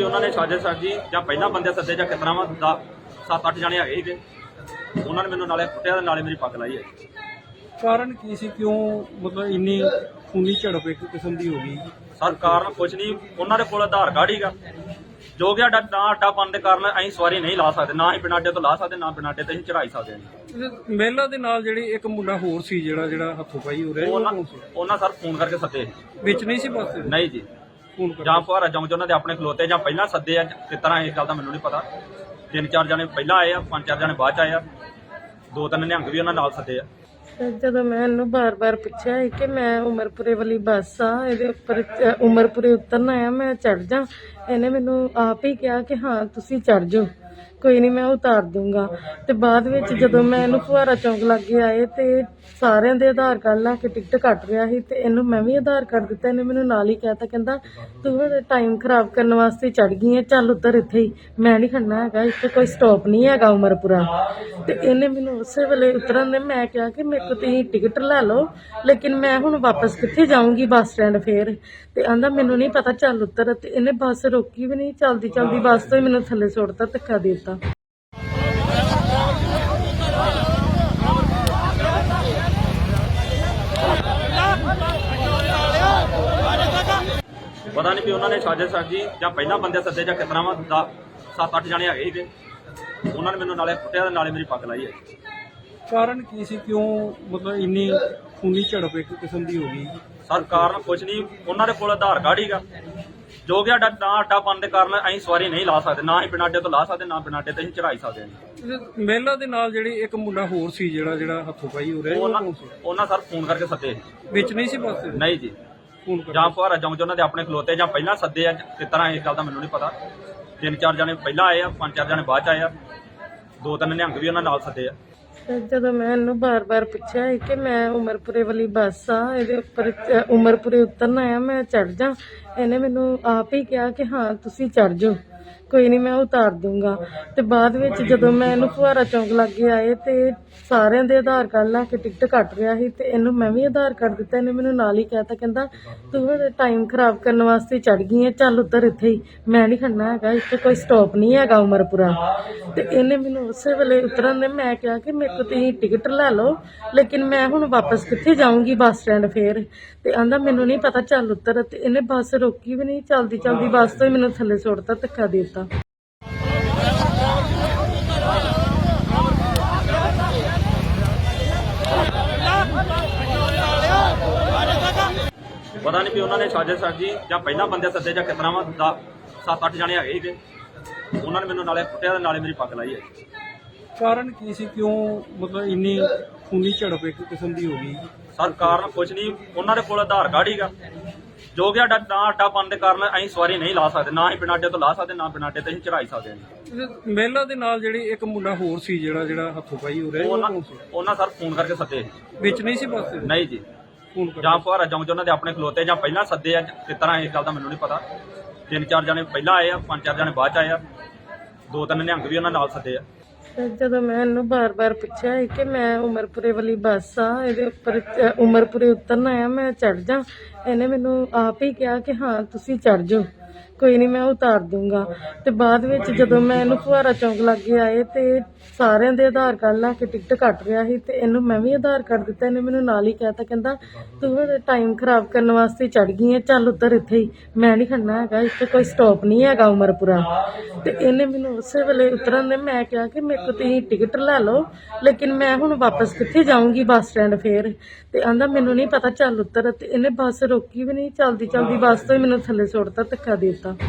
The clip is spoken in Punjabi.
ਵੀ ਉਹਨਾਂ ਨੇ ਸਾਜ਼ਿਸ਼ ਸਾਜੀ ਜਾਂ ਪਹਿਲਾਂ ਬੰਦੇ ਸੱਦੇ ਜਾਂ ਕਿਤਨਾ ਵਾ 7-8 ਜਣੇ ਹੈਗੇ ਸੀਗੇ। ਉਹਨਾਂ ਨੇ ਮੈਨੂੰ ਨਾਲੇ ਕੁੱਟਿਆ ਤੇ ਨਾਲੇ ਮੇਰੀ ਪੱਗ ਲਾਈ ਹੈ। ਕਾਰਨ ਕੀ ਸੀ, ਕਿਉਂ ਮਤਲਬ ਇੰਨੀ ਖੂਨੀ ਝੜਪ ਇੱਕ ਕਿਸਮ ਦੀ ਹੋ ਗਈ? ਸਰ ਕਾਰਨ ਕੁਛ ਨਹੀਂ, ਉਹਨਾਂ ਦੇ ਕੋਲ ਆਧਾਰ ਕਾਰਡ ਹੀਗਾ ਜੋ ਕਿ ਸਾਡਾ ਨਾ ਅੱਡਾ ਪਾਉਣ ਦੇ ਕਾਰਨ ਅਸੀਂ ਸਵਾਰੀ ਨਹੀਂ ਲਾ ਸਕਦੇ, ਨਾ ਹੀ ਬਿਨਾਂ ਅੱਡੇ ਤੋਂ ਲਾ ਸਕਦੇ, ਨਾ ਬਿਨਾਂ ਅੱਡੇ ਤੇ ਅਸੀਂ ਚੜਾਈ ਸਕਦੇ ਹਾਂ। ਮਹਿਲਾ ਦੇ ਨਾਲ ਜਿਹੜੀ ਇੱਕ ਮੁੰਡਾ ਹੋਰ ਸੀ ਜਿਹੜਾ ਹੱਥੋਂ ਪਾਈ ਹੋ ਰਿਹਾ ਉਹਨਾਂ ਸਰ ਫੋਨ ਕਰਕੇ ਸੱਦੇ ਵਿੱਚ ਨਹੀਂ ਸੀ ਬਸ? ਨਹੀਂ ਜੀ, ਫੋਨ ਕਰ ਜਾਂ ਫੁਹਾਰਾ ਚੌਂਕ 'ਚ ਉਹਨਾਂ ਦੇ ਆਪਣੇ ਖਲੋਤੇ ਜਾਂ ਪਹਿਲਾਂ ਸੱਦੇ ਆ, ਕਿਸ ਤਰ੍ਹਾਂ ਇਸ ਗੱਲ ਦਾ ਮੈਨੂੰ ਨਹੀਂ ਪਤਾ। 3-4 ਜਣੇ ਪਹਿਲਾਂ ਆਏ ਆ, 5-4 ਜਣੇ ਬਾਅਦ 'ਚ ਆਏ ਆ, 2-3 ਨਿਹੰਗ ਵੀ ਉਹਨਾਂ ਨਾਲ ਸੱਦੇ ਆ। ਜਦੋਂ ਮੈਂ ਇਹਨੂੰ ਬਾਰ-ਬਾਰ ਪੁੱਛਿਆ ਸੀ ਕਿ ਮੈਂ ਉਮਰਪੁਰੇ ਵਾਲੀ ਬੱਸ ਆ, ਇਹਦੇ ਉੱਪਰ ਉਮਰਪੁਰੇ ਉਤਰਨਾ ਆ, ਮੈਂ ਚੜ ਜਾ, ਇਹਨੇ ਮੈਨੂੰ ਆਪ ਹੀ ਕਿਹਾ ਕਿ ਹਾਂ ਤੁਸੀਂ ਚੜ ਜਾਓ, ਕੋਈ ਨਹੀਂ ਮੈਂ ਉਤਾਰ ਦੂੰਗਾ। ਤੇ ਬਾਅਦ ਵਿੱਚ ਜਦੋਂ ਮੈਂ ਇਹਨੂੰ ਫੁਹਾਰਾ ਚੌਂਕ ਲਾਗੇ ਆਏ ਤੇ ਸਾਰਿਆਂ ਦੇ ਆਧਾਰ ਕਾਰਡ ਲਾ ਕੇ ਟਿਕਟ ਕੱਟ ਰਿਹਾ ਸੀ ਤੇ ਇਹਨੂੰ ਮੈਂ ਵੀ ਆਧਾਰ ਕਾਰਡ ਦਿੱਤਾ। ਇਹਨੇ ਮੈਨੂੰ ਨਾਲ ਹੀ ਕਹਿਤਾ, ਕਹਿੰਦਾ ਤੂੰ ਟਾਈਮ ਖਰਾਬ ਕਰਨ ਵਾਸਤੇ ਚੜ ਗਈ ਹੈ, ਚੱਲ ਉੱਤਰ ਇੱਥੇ ਹੀ, ਮੈਂ ਨਹੀਂ ਖੜਨਾ ਹੈਗਾ, ਇੱਥੇ ਕੋਈ ਸਟਾਪ ਨਹੀਂ ਹੈਗਾ ਉਮਰਪੁਰਾ। ਤੇ ਇਹਨੇ ਮੈਨੂੰ ਉਸੇ ਵੇਲੇ ਉਤਰਨ ਦੇ ਮੈਂ ਕਿਹਾ ਕਿ ਮੇਰੇ ਕੋਲ ਤੁਸੀਂ ਟਿਕਟ ਲੈ ਲਓ, ਲੇਕਿਨ ਮੈਂ ਹੁਣ ਵਾਪਸ ਕਿੱਥੇ ਜਾਊਂਗੀ ਬੱਸ ਸਟੈਂਡ ਫੇਰ। ਤੇ ਆਂਦਾ ਮੈਨੂੰ ਨਹੀਂ ਪਤਾ, ਚੱਲ ਉੱਤਰ। ਤੇ ਇਹਨੇ ਬੱਸ ਰੋਕੀ ਵੀ ਨਹੀਂ, ਚਲਦੀ ਬੱਸ ਤੋਂ ਹੀ ਮੈਨੂੰ ਥੱਲੇ ਸੁੱਟਤਾ, ਧੱਕਾ ਦੇ ਦਿੱਤਾ। ਪਤਾ ਨਹੀਂ ਵੀ ਉਹਨਾਂ ਨੇ ਸਾਜ਼ਿਸ਼ ਸਾਜੀ ਜਾਂ ਪਹਿਲਾਂ ਬੰਦੇ ਸੱਦੇ ਜਾਂ ਕਿਤਨਾ ਵਾ 7-8 ਜਣੇ ਹੈਗੇ ਸੀਗੇ। ਉਹਨਾਂ ਨੇ ਮੈਨੂੰ ਨਾਲੇ ਕੁੱਟਿਆ ਤੇ ਨਾਲੇ ਮੇਰੀ ਪੱਗ ਲਾਈ ਹੈ। ਕਾਰਨ ਕੀ ਸੀ, ਕਿਉਂ ਮਤਲਬ ਇੰਨੀ ਖੂਨੀ ਝੜਪ ਇੱਕ ਕਿਸਮ ਦੀ ਹੋ ਗਈ? ਸਰ ਕਾਰਨ ਕੁਛ ਨਹੀਂ, ਉਹਨਾਂ ਦੇ ਕੋਲ ਆਧਾਰ ਕਾਰਡ ਹੀਗਾ ਜੋ ਕਿ ਸਾਡਾ ਨਾ ਅੱਡਾ ਪਾਉਣ ਦੇ ਕਾਰਨ ਅਸੀਂ ਸਵਾਰੀ ਨਹੀਂ ਲਾ ਸਕਦੇ, ਨਾ ਹੀ ਬਿਨਾਂ ਅੱਡੇ ਤੋਂ ਲਾ ਸਕਦੇ, ਨਾ ਬਿਨਾਂ ਅੱਡੇ ਤੇ ਅਸੀਂ ਚੜਾਈ ਸਕਦੇ ਹਾਂ। ਮਹਿਲਾ ਦੇ ਨਾਲ ਜਿਹੜੀ ਇੱਕ ਮੁੰਡਾ ਹੋਰ ਸੀ ਜਿਹੜਾ ਹੱਥੋਂ ਪਾਈ ਹੋ ਰਿਹਾ ਉਹਨਾਂ ਸਰ ਫੋਨ ਕਰਕੇ ਸੱਦੇ ਵਿੱਚ ਨਹੀਂ ਸੀ ਬਸ? ਨਹੀਂ ਜੀ, ਫੋਨ ਕਰ ਜਾਂ ਫੁਹਾਰਾ ਚੌਂਕ 'ਚ ਉਹਨਾਂ ਦੇ ਆਪਣੇ ਖਲੋਤੇ ਜਾਂ ਪਹਿਲਾਂ ਸੱਦੇ ਆ, ਕਿਸ ਤਰ੍ਹਾਂ ਇਸ ਗੱਲ ਦਾ ਮੈਨੂੰ ਨਹੀਂ ਪਤਾ। 3-4 ਜਣੇ ਪਹਿਲਾਂ ਆਏ ਆ, 5-4 ਜਣੇ ਬਾਅਦ 'ਚ ਆਏ ਆ, 2-3 ਨਿਹੰਗ ਵੀ ਉਹਨਾਂ ਨਾਲ ਸੱਦੇ ਆ। ਜਦੋਂ ਮੈਂ ਇਹਨੂੰ ਬਾਰ-ਬਾਰ ਪੁੱਛਿਆ ਸੀ ਕਿ ਮੈਂ ਉਮਰਪੁਰੇ ਵਾਲੀ ਬੱਸ ਆ, ਇਹਦੇ ਉੱਪਰ ਉਮਰਪੁਰੇ ਉਤਰਨਾ ਆ, ਮੈਂ ਚੜ ਜਾ, ਇਹਨੇ ਮੈਨੂੰ ਆਪ ਹੀ ਕਿਹਾ ਕਿ ਹਾਂ ਤੁਸੀਂ ਚੜ ਜਾਓ, ਕੋਈ ਨਹੀਂ ਮੈਂ ਉਤਾਰ ਦੂੰਗਾ। ਤੇ ਬਾਅਦ ਵਿੱਚ ਜਦੋਂ ਮੈਂ ਇਹਨੂੰ ਫੁਹਾਰਾ ਚੌਂਕ ਲਾਗੇ ਆਏ ਤੇ ਸਾਰਿਆਂ ਦੇ ਆਧਾਰ ਕਾਰਡ ਲਾ ਕੇ ਟਿਕਟ ਕੱਟ ਰਿਹਾ ਸੀ ਤੇ ਇਹਨੂੰ ਮੈਂ ਵੀ ਆਧਾਰ ਕਾਰਡ ਦਿੱਤਾ। ਇਹਨੇ ਮੈਨੂੰ ਨਾਲ ਹੀ ਕਹਿਤਾ, ਕਹਿੰਦਾ ਤੂੰ ਟਾਈਮ ਖਰਾਬ ਕਰਨ ਵਾਸਤੇ ਚੜ ਗਈ ਹੈ, ਚੱਲ ਉੱਤਰ ਇੱਥੇ ਹੀ, ਮੈਂ ਨਹੀਂ ਖੜਨਾ ਹੈਗਾ, ਇੱਥੇ ਕੋਈ ਸਟਾਪ ਨਹੀਂ ਹੈਗਾ ਉਮਰਪੁਰਾ। ਤੇ ਇਹਨੇ ਮੈਨੂੰ ਉਸੇ ਵੇਲੇ ਉਤਰਨ ਦੇ ਮੈਂ ਕਿਹਾ ਕਿ ਮੇਰੇ ਕੋਲ ਤੁਸੀਂ ਟਿਕਟ ਲੈ ਲਓ, ਲੇਕਿਨ ਮੈਂ ਹੁਣ ਵਾਪਸ ਕਿੱਥੇ ਜਾਊਂਗੀ ਬੱਸ ਸਟੈਂਡ ਫੇਰ। ਤੇ ਆਂਦਾ ਮੈਨੂੰ ਨਹੀਂ ਪਤਾ, ਚੱਲ ਉੱਤਰ। ਤੇ ਇਹਨੇ ਬੱਸ ਰੋਕੀ ਵੀ ਨਹੀਂ, ਚਲਦੀ ਬੱਸ ਤੋਂ ਹੀ ਮੈਨੂੰ ਥੱਲੇ ਸੁੱਟਤਾ, ਧੱਕਾ ਦੇ ਦਿੱਤਾ। ਪਤਾ ਨਹੀਂ ਵੀ ਉਹਨਾਂ ਨੇ ਸਾਜ਼ਿਸ਼ ਸਾਜੀ ਜਾਂ ਪਹਿਲਾਂ ਬੰਦੇ ਸੱਦੇ ਜਾਂ ਕਿਤਨਾ ਵਾ 7-8 ਜਣੇ ਹੈਗੇ ਸੀਗੇ। ਉਹਨਾਂ ਨੇ ਮੈਨੂੰ ਨਾਲੇ ਕੁੱਟਿਆ ਤੇ ਨਾਲੇ ਮੇਰੀ ਪੱਗ ਲਾਈ ਹੈ। ਕਾਰਨ ਕੀ ਸੀ, ਕਿਉਂ ਮਤਲਬ ਇੰਨੀ ਖੂਨੀ ਝੜਪ ਇੱਕ ਕਿਸਮ ਦੀ ਹੋ ਗਈ? ਸਰ ਕਾਰਨ ਕੁਛ ਨਹੀਂ, ਉਹਨਾਂ ਦੇ ਕੋਲ ਆਧਾਰ ਕਾਰਡ ਹੀਗਾ ਜੋ ਕਿ ਸਾਡਾ ਨਾ ਅੱਡਾ ਪਾਉਣ ਦੇ ਕਾਰਨ ਅਸੀਂ ਸਵਾਰੀ ਨਹੀਂ ਲਾ ਸਕਦੇ, ਨਾ ਹੀ ਬਿਨਾਂ ਅੱਡੇ ਤੋਂ ਲਾ ਸਕਦੇ, ਨਾ ਬਿਨਾਂ ਅੱਡੇ ਤੇ ਅਸੀਂ ਚੜਾਈ ਸਕਦੇ ਹਾਂ। ਮਹਿਲਾ ਦੇ ਨਾਲ ਜਿਹੜੀ ਇੱਕ ਮੁੰਡਾ ਹੋਰ ਸੀ ਜਿਹੜਾ ਹੱਥੋਂ ਪਾਈ ਹੋ ਰਿਹਾ ਉਹਨਾਂ ਸਰ ਫੋਨ ਕਰਕੇ ਸੱਦੇ ਵਿੱਚ ਨਹੀਂ ਸੀ ਬਸ? ਨਹੀਂ ਜੀ, ਫੋਨ ਕਰ ਜਾਂ ਫੁਹਾਰਾ ਚੌਂਕ 'ਚ ਉਹਨਾਂ ਦੇ ਆਪਣੇ ਖਲੋਤੇ ਜਾਂ ਪਹਿਲਾਂ ਸੱਦੇ ਆ, ਕਿਸ ਤਰ੍ਹਾਂ ਇਸ ਗੱਲ ਦਾ ਮੈਨੂੰ ਨਹੀਂ ਪਤਾ। 3-4 ਜਣੇ ਪਹਿਲਾਂ ਆਏ ਆ, 5-4 ਜਣੇ ਬਾਅਦ 'ਚ ਆਏ ਆ, 2-3 ਨਿਹੰਗ ਵੀ ਉਹਨਾਂ ਨਾਲ ਸੱਦੇ ਆ। ਜਦੋਂ ਮੈਂ ਇਹਨੂੰ ਬਾਰ-ਬਾਰ ਪੁੱਛਿਆ ਸੀ ਕਿ ਮੈਂ ਉਮਰਪੁਰੇ ਵਾਲੀ ਬੱਸ ਆ, ਇਹਦੇ ਉੱਪਰ ਉਮਰਪੁਰੇ ਉਤਰਨਾ ਆ, ਮੈਂ ਚੜ ਜਾ, ਇਹਨੇ ਮੈਨੂੰ ਆਪ ਹੀ ਕਿਹਾ ਕਿ ਹਾਂ ਤੁਸੀਂ ਚੜ ਜਾਓ, ਕੋਈ ਨਹੀਂ ਮੈਂ ਉਤਾਰ ਦੂੰਗਾ। ਤੇ ਬਾਅਦ ਵਿੱਚ ਜਦੋਂ ਮੈਂ ਇਹਨੂੰ ਫੁਹਾਰਾ ਚੌਂਕ ਲਾਗੇ ਆਏ ਤੇ ਸਾਰਿਆਂ ਦੇ ਆਧਾਰ ਕਾਰਡ ਲਾ ਕੇ ਟਿਕਟ ਕੱਟ ਰਿਹਾ ਸੀ ਤੇ ਇਹਨੂੰ ਮੈਂ ਵੀ ਆਧਾਰ ਕਾਰਡ ਦਿੱਤਾ। ਇਹਨੇ ਮੈਨੂੰ ਨਾਲ ਹੀ ਕਹਿਤਾ, ਕਹਿੰਦਾ ਤੂੰ ਟਾਈਮ ਖਰਾਬ ਕਰਨ ਵਾਸਤੇ ਚੜ ਗਈ ਹੈ, ਚੱਲ ਉੱਤਰ ਇੱਥੇ ਹੀ, ਮੈਂ ਨਹੀਂ ਖੜਨਾ ਹੈਗਾ, ਇੱਥੇ ਕੋਈ ਸਟਾਪ ਨਹੀਂ ਹੈਗਾ ਉਮਰਪੁਰਾ। ਤੇ ਇਹਨੇ ਮੈਨੂੰ ਉਸੇ ਵੇਲੇ ਉਤਰਨ ਦੇ ਮੈਂ ਕਿਹਾ ਕਿ ਮੇਰੇ ਕੋਲ ਤੁਸੀਂ ਟਿਕਟ ਲੈ ਲਓ, ਲੇਕਿਨ ਮੈਂ ਹੁਣ ਵਾਪਸ ਕਿੱਥੇ ਜਾਊਂਗੀ ਬੱਸ ਸਟੈਂਡ ਫੇਰ। ਤੇ ਆਂਦਾ ਮੈਨੂੰ ਨਹੀਂ ਪਤਾ, ਚੱਲ ਉੱਤਰ। ਤੇ ਇਹਨੇ ਬੱਸ ਰੋਕੀ ਵੀ ਨਹੀਂ, ਚਲਦੀ ਬੱਸ ਤੋਂ ਹੀ ਮੈਨੂੰ ਥੱਲੇ ਸੁੱਟਤਾ, ਧੱਕਾ ਦੇ ਦਿੱਤਾ।